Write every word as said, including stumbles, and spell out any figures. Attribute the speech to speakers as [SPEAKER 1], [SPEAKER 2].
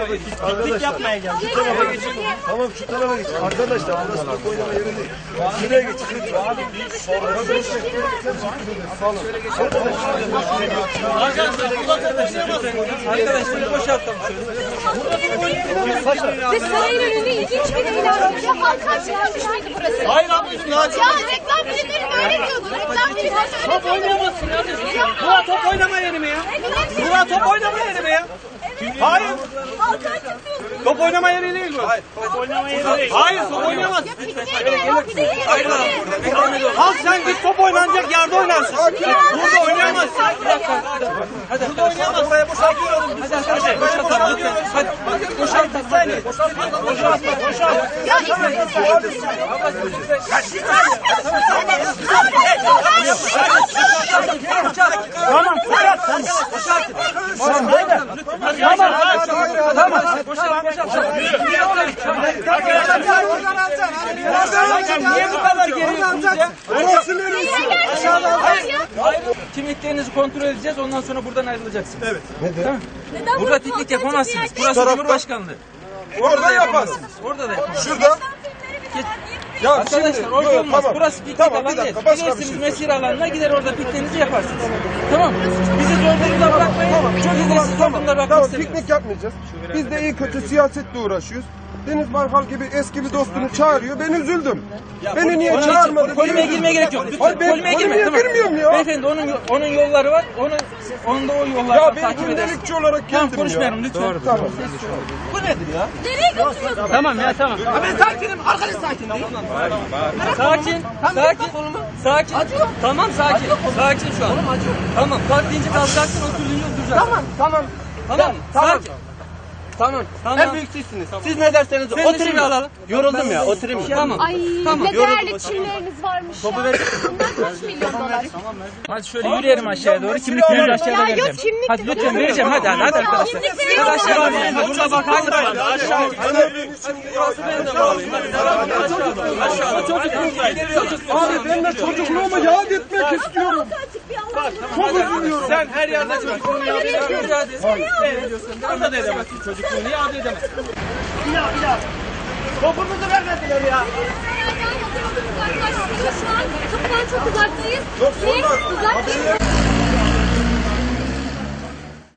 [SPEAKER 1] tarafa git. Piknik yapmaya geldik. Şu tarafa geç. Tamam şu tarafa geç. Arkadaşlar burası top oynama yeri değil. Şuraya geç. Abi bir sorun. Arkadaşlar boşaltalım şöyle.
[SPEAKER 2] Ve sarayın önünde ilginç bir eğlence. Halka açılmış mıydı burası?
[SPEAKER 1] Hayır ablacığım ya.
[SPEAKER 2] Ya reklam filmleri böyle diyordu. Reklam filmleri öyle
[SPEAKER 1] Top oynayamazsın kardeşim. Bura top oynama yeri mi ya? Bura top oynama yeri mi ya? Hayır.
[SPEAKER 2] halka açılıyor.
[SPEAKER 1] Top oynama yeri değil bu. Hayır.
[SPEAKER 3] Top oynama yeri değil.
[SPEAKER 1] Hayır top oynayamazsın.
[SPEAKER 2] Hayır.
[SPEAKER 1] Al sen git top oynanacak yerde oynarsın. Burada oynayamazsın. Hadi burada oynayamazsın. Buraya boşaltıyorum. Hadi hadi boşaltalım lütfen. Hadi boşaltalım. Hadi. Boşaltma boşalt.
[SPEAKER 2] Ya İsmail.
[SPEAKER 1] Tamam boşalt. Boşalt. Tamam beyler. Tamam. Tamam. Boşalt boşalt. Niye bu kadar geriyorsunuz ya? Orası neresi? Kimliklerinizi kontrol edeceğiz. Ondan sonra buradan ayrılacaksınız. Evet. Tamam. Burada piknik yapamazsınız. Burası Cumhurbaşkanlığı. Orada yaparsınız. Orada da yaparsınız.
[SPEAKER 4] Şurada. Ya
[SPEAKER 1] Arkadaşlar
[SPEAKER 4] şimdi,
[SPEAKER 1] orada
[SPEAKER 4] yok,
[SPEAKER 1] olmaz.
[SPEAKER 4] tamam.
[SPEAKER 1] Burası piknik
[SPEAKER 4] Tamam, bir
[SPEAKER 1] alanı değil.
[SPEAKER 4] dakika, başka bir
[SPEAKER 1] Gidersiniz
[SPEAKER 4] şey
[SPEAKER 1] mesire alanına, gider orada pikniğinizi yaparsınız. Tamam mı? Bizi zor durumda bırakmayın. Çok izinsiz zor durumda bırakmak
[SPEAKER 4] Tamam,
[SPEAKER 1] istemiyoruz.
[SPEAKER 4] piknik yapmayacağız. Biz de iyi kötü siyasetle uğraşıyoruz. Deniz Baykal gibi eski bir dostunu çağırıyor. Ben üzüldüm. Beni niye
[SPEAKER 1] Onun için
[SPEAKER 4] çağırmadı?
[SPEAKER 1] polemeye girmeye gerek yok. Lütfen
[SPEAKER 4] Hayır, ben
[SPEAKER 1] polemeye girme.
[SPEAKER 4] polemeye
[SPEAKER 1] Tamam.
[SPEAKER 4] girmiyorum ya.
[SPEAKER 1] Beyefendi onun onun yolları var. Onun onun da o yolları
[SPEAKER 4] Ya
[SPEAKER 1] var.
[SPEAKER 4] ben
[SPEAKER 1] Takip edersiniz.
[SPEAKER 4] gündelikçi olarak geldim
[SPEAKER 1] Tamam
[SPEAKER 4] ya.
[SPEAKER 1] konuşmayalım lütfen.
[SPEAKER 4] Tamam.
[SPEAKER 1] Bu nedir ya?
[SPEAKER 2] Nereye götürüyorsun?
[SPEAKER 1] Tamam ya tamam. Ya ben sakinim. Arkadaş sakin değil. Sakin. Sakin. Sakin. Tamam sakin. Sakin şu an. Tamam. Kalk deyince kalkacaksın, oturduğunca oturacaksın.
[SPEAKER 5] Tamam, tamam.
[SPEAKER 1] Tamam.
[SPEAKER 5] Tamam.
[SPEAKER 1] Sakin.
[SPEAKER 5] Tamam.
[SPEAKER 1] Tamam.
[SPEAKER 5] En büyük sizsiniz. Siz ne derseniz
[SPEAKER 1] Sen de
[SPEAKER 5] oturayım
[SPEAKER 1] şimdi
[SPEAKER 5] mı?
[SPEAKER 1] alalım.
[SPEAKER 5] Yoruldum ya, oturayım mı?
[SPEAKER 1] Tamam.
[SPEAKER 2] Ay
[SPEAKER 1] Tamam.
[SPEAKER 2] ne değerli çimleriniz varmış ya. Bunlar kaç milyon dolar?
[SPEAKER 1] Hadi şöyle yürüyelim aşağıya doğru. Kimliklerinizi aşağıda
[SPEAKER 2] Ya yok,
[SPEAKER 1] vereceğim.
[SPEAKER 2] kimlik-
[SPEAKER 1] Hadi lütfen vereceğim. Hadi hadi, hadi arkadaşlar.
[SPEAKER 2] Kimlikleri
[SPEAKER 1] Hadi aşağı
[SPEAKER 2] yok.
[SPEAKER 1] inelim. Burada bakan da var. Aşağı
[SPEAKER 4] Abi ben de çocukluğumu yad etmek istiyorum. Çok üzülüyorum.
[SPEAKER 1] Sen her yerde çocukluğunu yapıyorsun. Mücadele ediyorsun. Burada da edemezsin çocukluğunu. Yad edemezsin.
[SPEAKER 3] Bir daha bir daha. Topumuzu vermediler ya.
[SPEAKER 2] Şu an kapıdan çok uzaktayız. Siz uzak değilsiniz.